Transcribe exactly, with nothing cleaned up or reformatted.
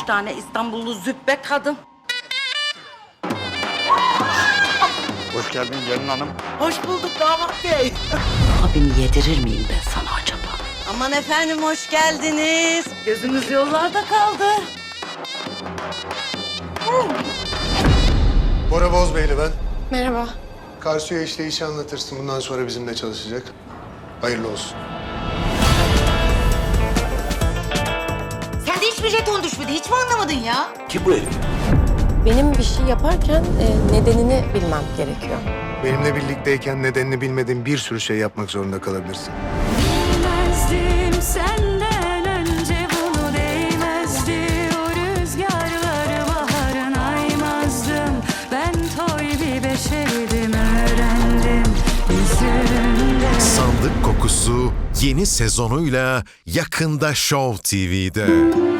tane İstanbullu züppe kadın. Hoş geldin gelin hanım. Hoş bulduk damat bey. Abimi yedirir miyim ben sana acaba? Aman efendim hoş geldiniz. Gözümüz yollarda kaldı. Bora Bozbeyli ben. Merhaba. Karsu'ya işleyişi anlatırsın. Bundan sonra bizimle çalışacak. Hayırlı olsun. Sende hiçbir jeton düşmedi. Hiç mi anlamadın ya? Kim bu herif? Benim bir şey yaparken e, nedenini bilmem gerekiyor. Benimle birlikteyken nedenini bilmediğin bir sürü şey yapmak zorunda kalabilirsin. Bilmezdim senden önce bunu değmezdi. O rüzgarları baharın aymazdım. Ben toy bir beşerdim öğrendim yüzünde. Sandık Kokusu yeni sezonuyla yakında Show T V'de.